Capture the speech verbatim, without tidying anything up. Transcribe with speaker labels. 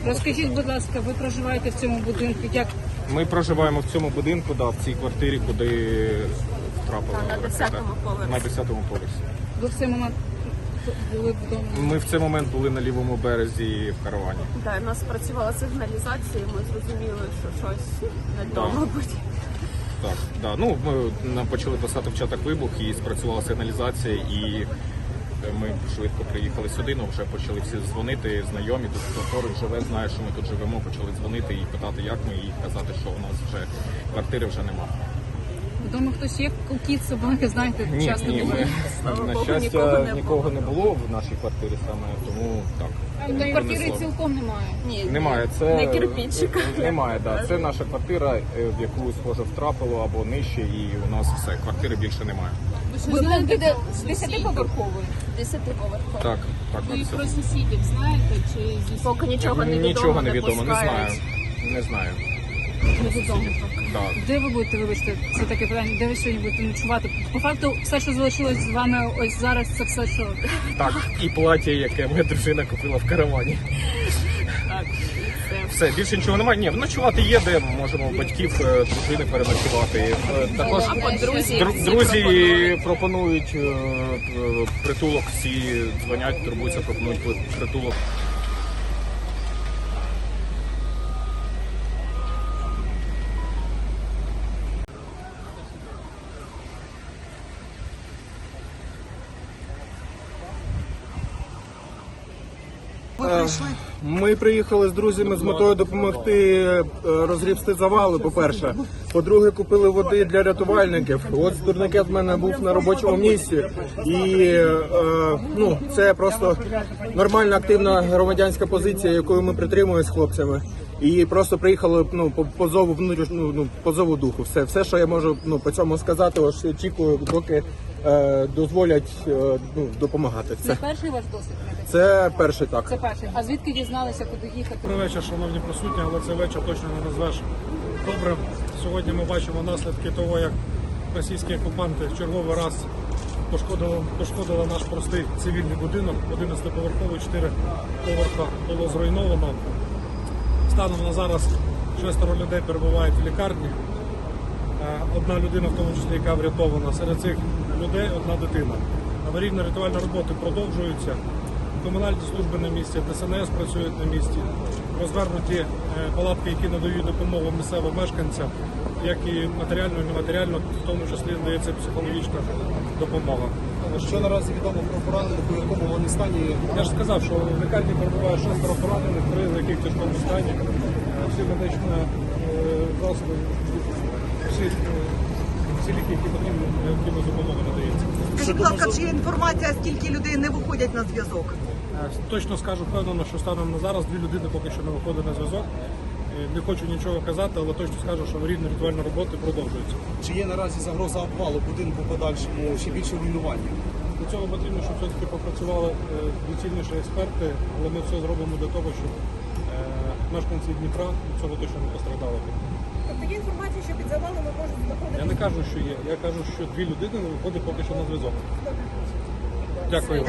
Speaker 1: Розкажіть, будь ласка, ви проживаєте в цьому будинку? Як
Speaker 2: Ми проживаємо в цьому будинку, да, в цій квартирі, куди втрапила
Speaker 3: на
Speaker 2: ракета.
Speaker 3: десятому поверсі.
Speaker 2: На десятому поверсі.
Speaker 1: ви в цей момент були вдома?
Speaker 2: Ми в цей момент були на лівому березі в каравані.
Speaker 3: Да, у нас працювала сигналізація, ми зрозуміли, що щось не то,
Speaker 2: Да.
Speaker 3: мабуть.
Speaker 2: Так, да. Ну, ми нам почали писати в чатах вибух і спрацювала сигналізація, і ми швидко приїхали сюди, ну вже почали всі дзвонити, знайомі, тут хто поруч живе, знає, що ми тут живемо, почали дзвонити і питати, як ми, і казати, що у нас вже квартири вже нема.
Speaker 1: Вдома хтось є? Кіт, собаки, знаєте,
Speaker 2: Ні,
Speaker 1: часто
Speaker 2: ні,
Speaker 1: буває.
Speaker 2: ми,
Speaker 3: Слава
Speaker 2: на
Speaker 3: Богу,
Speaker 2: щастя,
Speaker 3: нікого не
Speaker 2: нікого не було в нашій квартирі саме, тому так.
Speaker 1: Та й квартири
Speaker 2: Принесло.
Speaker 1: цілком немає.
Speaker 3: Ні,
Speaker 2: Немає, це
Speaker 3: не кирпичика.
Speaker 2: Немає, да. Це наша квартира, е, в яку схоже втрапило або нижче, і у нас все, квартири більше немає.
Speaker 1: Будинок іде з десятиповерхової?
Speaker 3: Десятиповерховий.
Speaker 2: Так, так,
Speaker 1: Ви
Speaker 2: на
Speaker 1: про
Speaker 2: все.
Speaker 1: сусідів знаєте? Чи зі
Speaker 3: Поки нічого не відомо,
Speaker 2: Нічого не
Speaker 3: не
Speaker 2: відомо, не знаю.
Speaker 3: пускають.
Speaker 2: Не знаю.
Speaker 1: невідомо?
Speaker 2: Да.
Speaker 1: Де ви будете, вибачте, це таке питання, де ви сьогодні будете ночувати? По факту, все, що залишилось з вами ось зараз, це все, що...
Speaker 2: Так, і плаття, яке моя дружина купила в каравані.
Speaker 3: Так, і все.
Speaker 2: Все, більше нічого немає. Ні, ночувати є, де ми можемо у батьків, е, дружини переночувати. Е, Також
Speaker 3: Або друзі,
Speaker 2: дру-
Speaker 3: всі
Speaker 2: друзі
Speaker 3: пропонують.
Speaker 2: пропонують е, е, притулок, всі дзвонять, турбуються, пропонують притулок.
Speaker 4: Ми приїхали з друзями з метою допомогти е, розгрібсти завали, по-перше. По-друге, купили води для рятувальників. От турникет в мене був на робочому місці. І е, ну, це просто нормальна, активна громадянська позиція, якою ми притримуємося з хлопцями. І просто приїхали ну, по, по зову внутрішню, ну, по зову духу. Все, все, що я можу ну, по цьому сказати, ось очікую, поки е, дозволять е, ну, допомагати.
Speaker 1: Це
Speaker 4: Це,
Speaker 1: перший ваш досвід?
Speaker 4: це перший так.
Speaker 1: Це перший. А звідки дізналися, куди їхати?
Speaker 5: Добрий вечір, шановні присутні, але цей вечір точно не назвеш добре. Сьогодні ми бачимо наслідки того, як російські окупанти в черговий раз пошкодили, пошкодили наш простий цивільний будинок. одинадцятиповерховий, чотири поверха було зруйновано. Станом на зараз шестеро людей перебувають в лікарні. Е, Одна людина, в тому числі, яка врятована. Серед цих людей одна дитина. Аварійно-рятувальні роботи продовжуються. Комунальні служби на місці, ДСНС працюють на місці. Розвернуті е, палатки, які надають допомогу місцевим мешканцям, як і матеріально, і нематеріально, в тому числі надається психологічна допомога.
Speaker 6: Що наразі відомо про поранених, у якому вони стані?
Speaker 5: Я ж сказав, що в лікарні перебуває шестеро поранених, три з яких в тяжкому стані. Е, Всі медичні е, засоби, всі, е, всі ліки, які потрібні, необхідна допомога надається.
Speaker 7: Скажіть, будь ласка, чи є інформація, скільки людей не виходять на зв'язок?
Speaker 5: Е, Точно скажу впевнено, що станом на зараз дві людини поки що не виходять на зв'язок. Е, Не хочу нічого казати, але точно скажу, що аварійно-рятувальні роботи продовжуються.
Speaker 6: Чи є наразі загроза обвалу будинку подальшому, ще більше руйнування?
Speaker 5: Для цього потрібно, щоб все-таки попрацювали е, доцільніші експерти, але ми все зробимо для того, щоб е, мешканці Дніпра від цього точно не постраждали.
Speaker 7: Тобто є інформація, що під завалами можуть знаходитися?
Speaker 5: Я не кажу, що є. Я кажу, що дві людини не виходять поки що на зв'язок. Дякую.